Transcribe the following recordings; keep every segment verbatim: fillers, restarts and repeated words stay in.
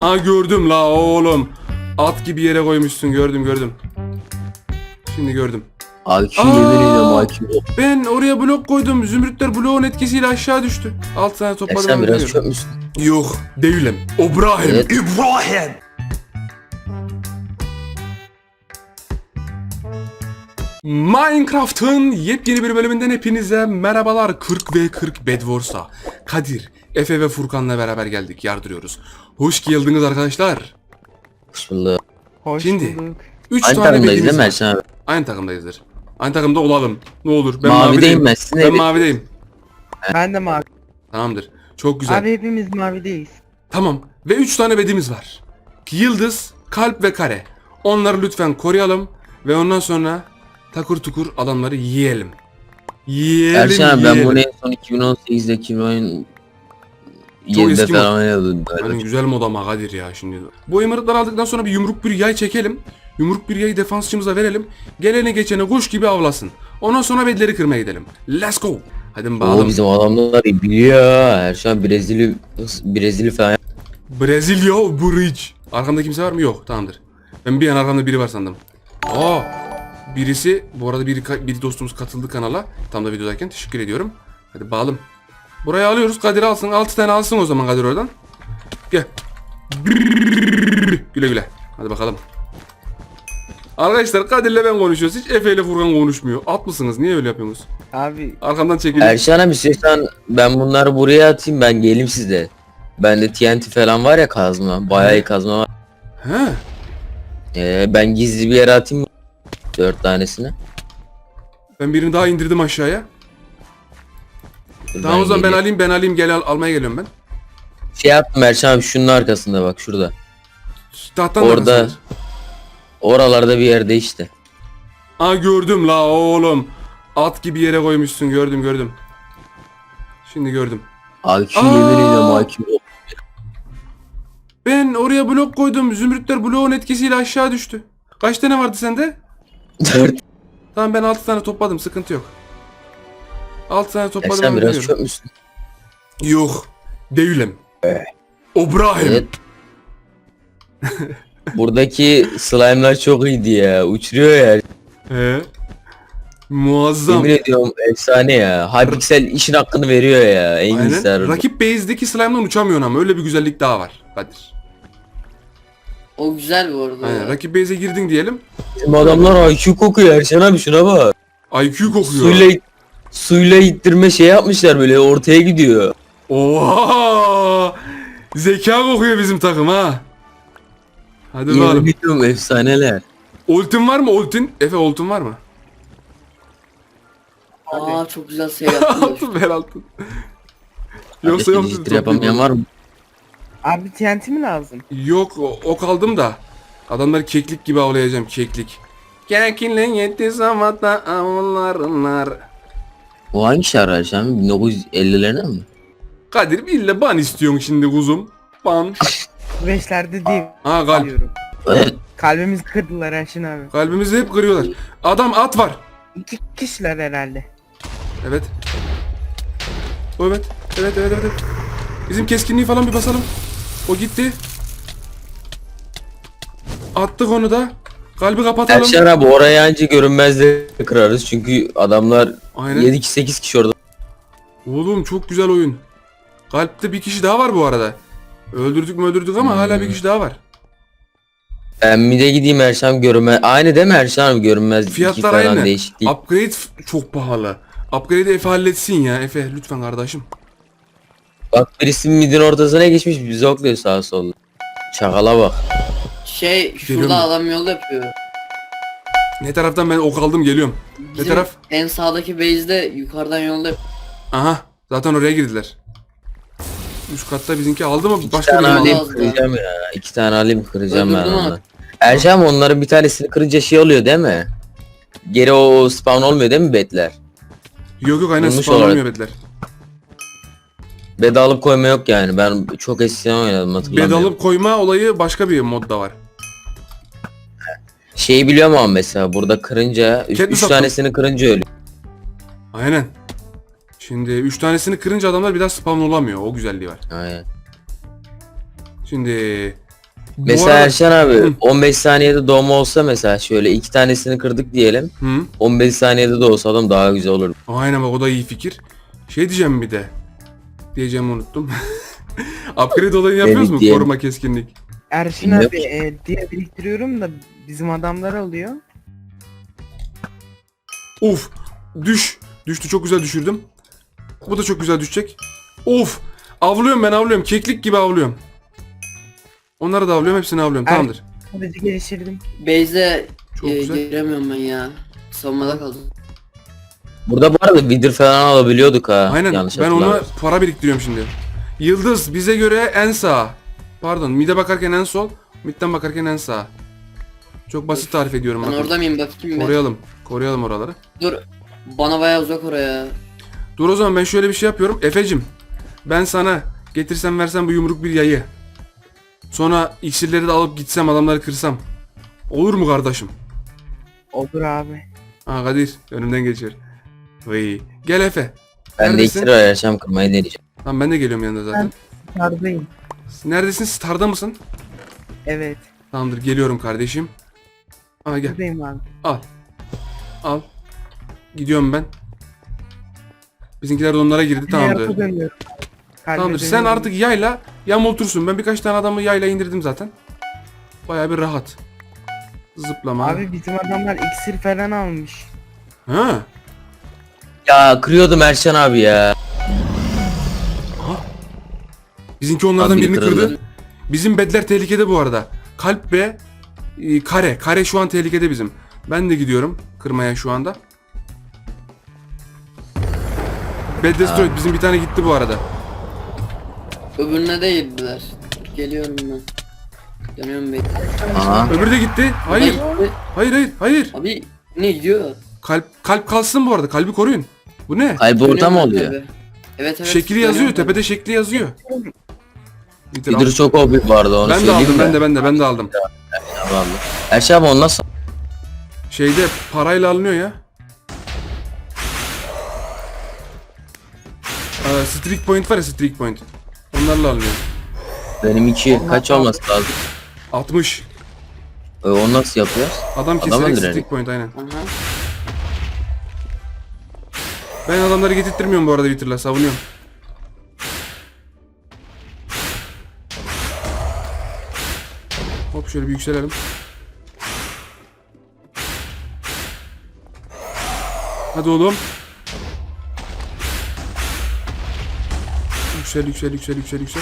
Ha gördüm la oğlum. At gibi yere koymuşsun, gördüm gördüm. Şimdi gördüm. I Q Aa! yemin ediyorum I Q yok. Ben oraya blok koydum. Zümrütler bloğun etkisiyle aşağı düştü. Altı tane topladım. Sen ama biraz bilmiyorum. çöp müsün? Yok değilim. İbrahim. Evet. İbrahim. Minecraft'ın yepyeni bir bölümünden hepinize merhabalar. kırk ve kırk Bed Wars'a Kadir, Efe ve Furkan'la beraber geldik, yardırıyoruz. Hoş geldiniz arkadaşlar. Hoş bulduk. Hoş Şimdi bulduk. üç Aynı tane takımdayız bedimiz değil mi var. Erşen abi? Aynı takımdayızdır. Aynı takımda olalım. Ne olur. Ben Mavideyim mavideyim. ben, sizin Ben evi- mavideyim. Ben de mavi. Tamamdır. Çok güzel. Abi hepimiz mavideyiz. Tamam. Ve üç tane bedimiz var. Yıldız, kalp ve kare. Onları lütfen koruyalım. Ve ondan sonra takır tukur adamları yiyelim. Yiyelim, Erşen abi ben yiyelim. bunu en son iki bin on sekizde iki bin on Çok yedide eski mod. falan oynadım. Hani güzel mod ama Kadir ya şimdi. Bu emerald'ları aldıktan sonra bir yumruk bir yay çekelim. Yumruk bir yayı defansçımıza verelim. Gelene geçene kuş gibi avlasın. Ondan sonra bedleri kırmaya gidelim. Let's go. Hadi Oo bakalım. bizim adamlar iyi biliyor. Erşen Brezilya Brezilya falan. Brezilya Bridge. Arkamda kimse var mı? Yok. Tamamdır. Ben bir an arkamda biri var sandım. Aa, birisi bu arada bir, bir dostumuz katıldı kanala. Tam da videodayken teşekkür ediyorum. Hadi bağalım. Buraya alıyoruz. Kadir alsın. altı tane alsın o zaman Kadir oradan. Gel. Güle güle. Hadi bakalım. Arkadaşlar Kadir'le ben konuşuyoruz. Hiç Efe ile Furkan konuşmuyor. At mısınız? Niye öyle yapıyorsunuz? Abi Arkamdan çekilin. Erşen abi istiyorsan ben bunları buraya atayım, ben geleyim sizde. Bende T N T falan var ya, kazma. Bayağı iyi kazma var. He. Ee, ben gizli bir yere atayım mı? Dört tanesini. Ben birini daha indirdim aşağıya. Dur, Tamam o zaman ben geleyim. alayım ben alayım gel al, almaya geliyorum ben. Şey yaptım Erşen abi, şunun arkasında bak, şurada. Tahtan Orada. arkasındadır. Oralarda bir yerde işte. Aa gördüm la oğlum. At gibi yere koymuşsun, gördüm gördüm. Şimdi gördüm. I Q Aa! yemin ediyorum I Q yok. Ben oraya blok koydum. Zümrütler bloğun etkisiyle aşağı düştü. Kaç tane vardı sende? Dört. Tamam ben altı tane topladım, sıkıntı yok. altı tane topladım. Erşen ama biraz biliyorum. çöp müsün? Yok. Değilim. İbrahim. Evet. Buradaki slime'lar çok iyiydi ya. Uçuruyor ya. He. Muazzam. Yemin ediyorum efsane ya. Hypixel işin hakkını veriyor ya. En Aynen. iyisi. Rakip base'deki slime'dan uçamıyorsun ama öyle bir güzellik daha var. Kadir. O güzel bu arada. Aynen. Rakip base'e girdin diyelim. Bizim adamlar I Q kokuyor Erşen abi, şuna bak. I Q kokuyor. Suyla suyla ittirme şey yapmışlar, böyle ortaya gidiyor. Oha! Zeka kokuyor bizim takım ha. Hadi Yemin bakalım. ediyorum efsaneler. Ultin var mı ultin? Efe ultin var mı? Aa çok güzel şey yaptın. Altın ver altın. Yoksa Abi, yok. dijital yapamayan var mı? abi T N T mi lazım? Yok o, o kaldım da. Adamları keklik gibi avlayacağım, keklik. Kekinle yetti zamanda avlarlar. O hangi şarkı Erşen abi? bin dokuz yüz ellilerine mi? Kadir ille ban istiyorsun şimdi kuzum. Ban. Beşlerde değil. Ha kalp. Diyorum. Evet. Kalbimizi kırdılar Erşin abi. Kalbimizi hep kırıyorlar. Adam at var. İki kişiler herhalde. Evet. Evet. Evet evet evet. evet. Bizim keskinliği falan bir basalım. O gitti. Attık onu da. Kalbi kapatalım. Erşen abi oraya anca görünmezle kırarız çünkü adamlar Aynen. yedi sekiz kişi orada. Oğlum çok güzel oyun. Kalpte bir kişi daha var bu arada. Öldürdük mü öldürdük ama Hmm. hala bir kişi daha var. Ben mid'e gideyim Erşen, görünmez. Aynı değil mi Erşen abi, görünmez. Fiyatlar iki falan aynı. değişik değil. Upgrade f- çok pahalı. Upgrade'i Efe halletsin ya. Efe lütfen kardeşim. Bak birisi mid'in ortasına geçmiş, bizi okluyor sağa sola. Çakala bak. Şey Geliyor şurada mu? adam yol yapıyor. Ne taraftan ben ok aldım geliyorum. Ne Bizim taraf? en sağdaki base'de yukarıdan yolda yapıyor. Aha. Zaten oraya girdiler. Üst katta bizimki aldı mı? İki Başka tane biri mi alayım aldı? aldı? kıracağım ya. İki tane alayım kıracağım ben Öldürdüm onları. onu. Erşen abi onların bir tanesini kırınca şey oluyor değil mi? Geri o spawn olmuyor değil mi betler? Yok yok aynen Olmuş spawn olarak. olmuyor bedler. Bed alıp koyma yok yani. Ben çok eskiden oynadım, hatırlamıyorum. Bed alıp koyma olayı başka bir modda var. Şeyi biliyorum ama mesela burada kırınca üç, Kendi üç sattım. tanesini kırınca ölüyor. Aynen. Şimdi üç tanesini kırınca adamlar bir daha spawn olamıyor. O güzelliği var. Aynen. Şimdi Bu Mesela arada- Erşen abi Hı. on beş saniyede doğma olsa mesela şöyle iki tanesini kırdık diyelim. Hı. on beş saniyede de olsa adam daha güzel olur. Aynen bak o da iyi fikir. Şey diyeceğim bir de. Diyeceğimi unuttum. Upgrade olayını yapıyoruz mu? diyelim. Koruma keskinlik. Erşin Ne abi e, diye biriktiriyorum da bizim adamlar alıyor. Of. Düş. Düştü, çok güzel düşürdüm. Bu da çok güzel düşecek. Of. Avlıyorum ben, avlıyorum. Keklik gibi avlıyorum. Onları da avlıyorum. Hepsini avlıyorum. Er- Tamamdır. Sadece geliştirdim. Base'de Çok e, güzel. giremiyorum ben ya. Savunmada kaldım. Burada bu arada vidir falan alabiliyorduk ha. Aynen. Yanlış Ben ona hatırlamıyorsam. para biriktiriyorum şimdi. Yıldız bize göre en sağ. Pardon. Mid'e bakarken en sol. Mid'den bakarken en sağ. Çok basit tarif ediyorum. Ben bakın. orada mıyım bakayım ben. Koruyalım. Koruyalım oraları. Dur. Bana bayağı uzak oraya. Dur o zaman ben şöyle bir şey yapıyorum. Efecim, ben sana getirsem versem bu yumruk bir yayı. Sonra iksirleri de alıp gitsem adamları kırsam. Olur mu kardeşim? Olur abi. Ha Kadir önümden geçiyor. Vay. Gel Efe. Ben de Neredesin? iksir ayarlayacağım kırmayı deneyeceğim. Tamam ben de geliyorum yanında zaten. Sardayım. Neredesin? Star'da mısın? Evet. Tamamdır geliyorum kardeşim. Ha gel. Buradayım abi. Al. Al. Gidiyorum ben. Bizimkiler de onlara girdi. Hayata Tamamdır. dönüyorum. Kalbe Tamamdır. Sen dönüyorum. artık yayla yamultursun. Ben birkaç tane adamı yayla indirdim zaten. Bayağı bir rahat. Zıplama. Abi bizim adamlar iksir falan almış. Ha. Ya kırıyordum Erşen abi ya. Bizimki onlardan Abi birini kırıldı. kırdı. Bizim bedler tehlikede bu arada. Kalp ve e, kare. Kare şu an tehlikede bizim. Ben de gidiyorum kırmaya şu anda. Bed Destroyed bizim bir tane gitti bu arada. Öbürüne de girdiler. Geliyorum ben. Yanıyorum bey. Aha. Öbürü de gitti. Hayır. Abi, Hayır hayır hayır. abi ne gidiyor? Kalp kalp kalsın bu arada. Kalbi koruyun. Bu ne? Kalbi orta mı Dönüyorum ben oluyor? tabii. Evet evet. Şekli yazıyor. dönüyorum ben. Tepede şekli yazıyor. Bitir, al. Vidir çok O P bu arada onu Ben de söyleyeyim aldım. de. Ben de ben de ben de aldım. Vallahi. Erşen abi onu nasıl? Şeyde parayla alınıyor ya. Ee, streak point var ya, streak point. Onlarla alınıyor. Benim iki kaç olması lazım? altmış. E, onu nasıl yapıyor? Adam Adam keserek öldürelim. streak point aynen. Aha. Ben adamları getirtmiyorum bu arada Witter'la, savunuyorum. Hop şöyle bir yükselelim. Hadi oğlum. Yüksel yüksel yüksel yüksel yüksel.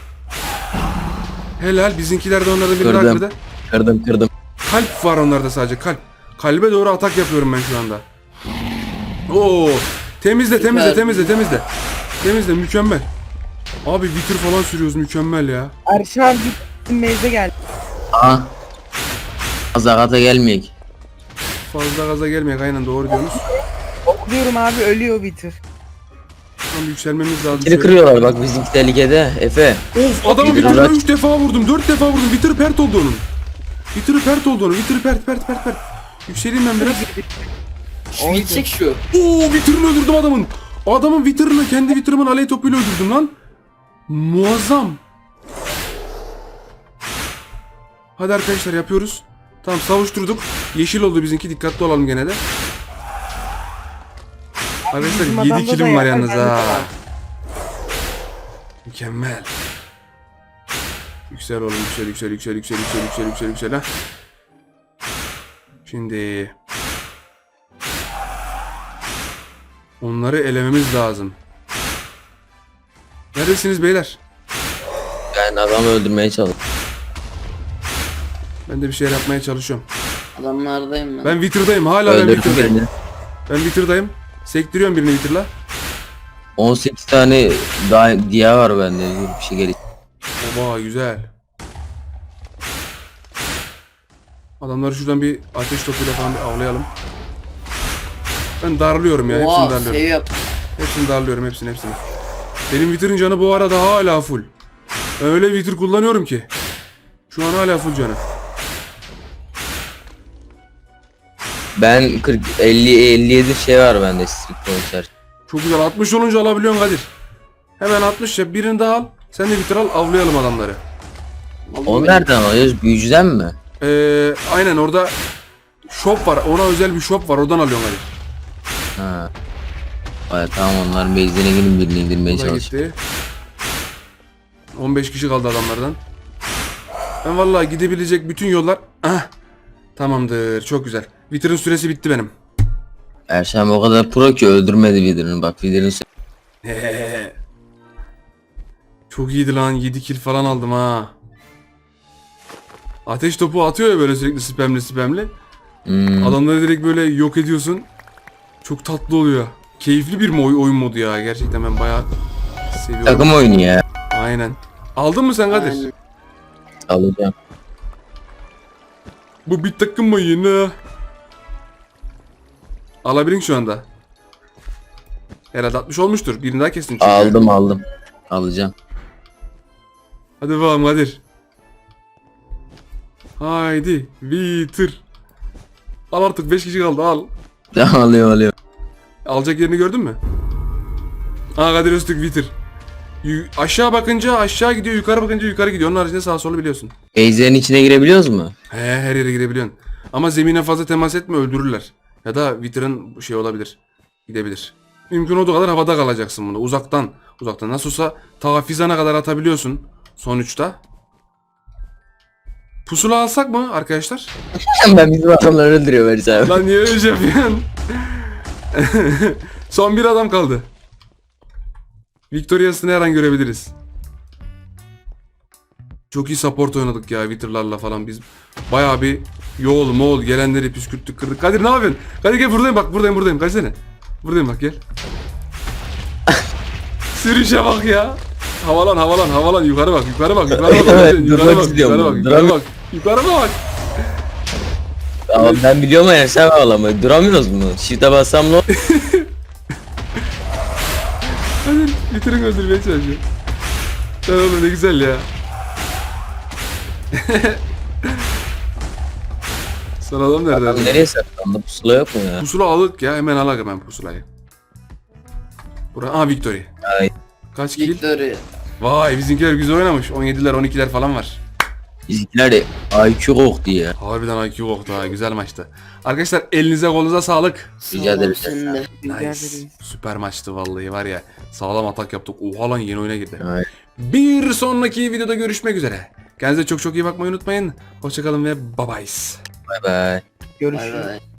Helal, bizimkiler de onlardan birini Kırdım. kırdı. Kırdım kırdım. Kalp var onlarda sadece, kalp. Kalbe doğru atak yapıyorum ben şu anda. Oo, temizle temizle Süper. temizle temizle. Temizle, mükemmel. Abi vitir falan sürüyoruz, mükemmel ya. Erşin abi bizim meyze geldi. Aha. Azakata gelmeyek. Fazla gaza gelmeyek, aynen doğru diyorsunuz. Okluyorum abi ölüyor bitir. Tam yükselmemiz lazım. Biri kırıyorlar bak bizimki tehlikede. Efe. Of, adamın Vitir vitirine uğraş. üç defa vurdum, dört defa vurdum. Vitir pert oldu onun. Vitir pert oldu onun. Vitir pert pert pert pert. Yükseleyim ben biraz. Şu gidecek şu. Oo, vitirini öldürdüm adamın. Adamın vitirini kendi vitirimin aley topuyla öldürdüm lan. Muazzam. Hadi arkadaşlar yapıyoruz. Tamam, savuşturduk. Yeşil oldu bizimki, dikkatli olalım gene de. Arkadaşlar Bizim yedi adamda da kilim var yapar, yalnız bende de ha. var. Mükemmel. Yüksel oğlum, yüksel yüksel yüksel yüksel yüksel yüksel yüksel yüksel ha. Şimdi onları elememiz lazım. Neredesiniz beyler? Ben adamı öldürmeye çalışıyorum. Ben de bir şeyler yapmaya çalışıyorum. Adamlardayım ben. Ben Witter'dayım, hala ben Öldürdüm Witter'dayım. birini. Ben Witter'dayım. Sektiriyorum birini Witter'la. on sekiz tane daha diye var bende. Dur, bir şey gelir. Oba, güzel. Adamları şuradan bir ateş topuyla falan bir avlayalım. Ben darlıyorum ya, hepsini Oha darlıyorum. save yap. Hepsini darlıyorum, hepsini hepsini. Benim Witter'ın canı bu arada hala full. Öyle Witter kullanıyorum ki. Şu an hala full canı. Ben kırk elli elli yedi şey var bende strict pointer. Çok güzel, altmış olunca alabiliyorsun Kadir. Hemen altmış yap, birini daha al. Sen de Witter al, avlayalım adamları. Onu nereden alıyoruz? Büyücüden mi? Ee, aynen orada shop var. Ona özel bir shop var. Oradan alıyorum hadi. Ha. Ay, tamam onların base'ine gidin birini indirmeye O da çalış. gitti. on beş kişi kaldı adamlardan. Ben vallahi gidebilecek bütün yollar... Ah, tamamdır. Çok güzel. Wither'ın süresi bitti benim. Erşem o kadar pro ki öldürmedi Wither'ını. Bak Wither'ın Çok iyiydi lan. yedi kill falan aldım ha. Ateş topu atıyor ya böyle sürekli spamli spamli. hmm. Adamları direkt böyle yok ediyorsun. Çok tatlı oluyor. Keyifli bir mi oy- oyun modu ya. Gerçekten ben bayağı seviyorum. Takım oyunu ya. Aynen. Aldın mı sen Kadir? Aynen. Alacağım. Bu bir takım oyunu. Alabilin şu anda. Herhalde altmış olmuştur. Birini daha kestin çünkü. Aldım aldım. Alacağım. Hadi bakalım Kadir. Haydi. Bitir. Al artık beş kişi kaldı al. alıyor alıyor. Alacak yerini gördün mü? Aa Kadir Öztürk bitir. Yu- aşağı bakınca aşağı gidiyor, yukarı bakınca yukarı gidiyor. Onun haricinde sağa solu biliyorsun. Base'lerin içine girebiliyoruz mu? He, her yere girebiliyorsun. Ama zemine fazla temas etme, öldürürler. Ya da Wither'ın şey olabilir. Gidebilir. Mümkün olduğu kadar havada kalacaksın bunu. Uzaktan. Uzaktan. Nasıl olsa ta Fizan'a kadar atabiliyorsun. Sonuçta. Pusula alsak mı arkadaşlar? Ben bizim adamları öldürüyorum Erşem. Lan niye öyle şey yapıyorsun? Son bir adam kaldı. Victoria'sını her an görebiliriz. Çok iyi support oynadık ya Wither'larla falan biz. Bayağı bir yol mol gelenleri püskürttük kırdık. Kadir ne yapıyorsun? Kadir gel buradayım bak buradayım buradayım. Kaçsene. Buradayım bak gel. Sürüşe bak ya. Havalan havalan havalan yukarı bak yukarı bak yukarı bak. Evet, yukarı durmak bak istiyorum yukarı bak ben, yukarı duramıyorum. bak. Yukarı bak. Ama ben biliyorum Erşem ağlamayı. Duramıyoruz mu? Shift'e bassam ne olur? Kadir bitirin öldürmeye çalışıyor. Sen oğlum ne güzel ya. Son adam nerede? Adam nereye saklandı? Pusula yok mu ya? Pusula alık ya hemen alak hemen pusulayı. Bura aa Victory. Ay. Kaç kill? Victory. Vay bizimkiler güzel oynamış. on yediler on ikiler falan var. Bizimkiler de I Q koktu ya. Harbiden I Q koktu ha güzel maçtı. Arkadaşlar elinize kolunuza sağlık. Rica ederim. Sen de. Rica Nice. ederiz. Süper maçtı vallahi var ya. Sağlam atak yaptık. Oha lan yeni oyuna girdi. Ay. Bir sonraki videoda görüşmek üzere. Kendinize çok çok iyi bakmayı unutmayın. Hoşçakalın ve bye bye. Bye bye. Görüşürüz. Bay bay.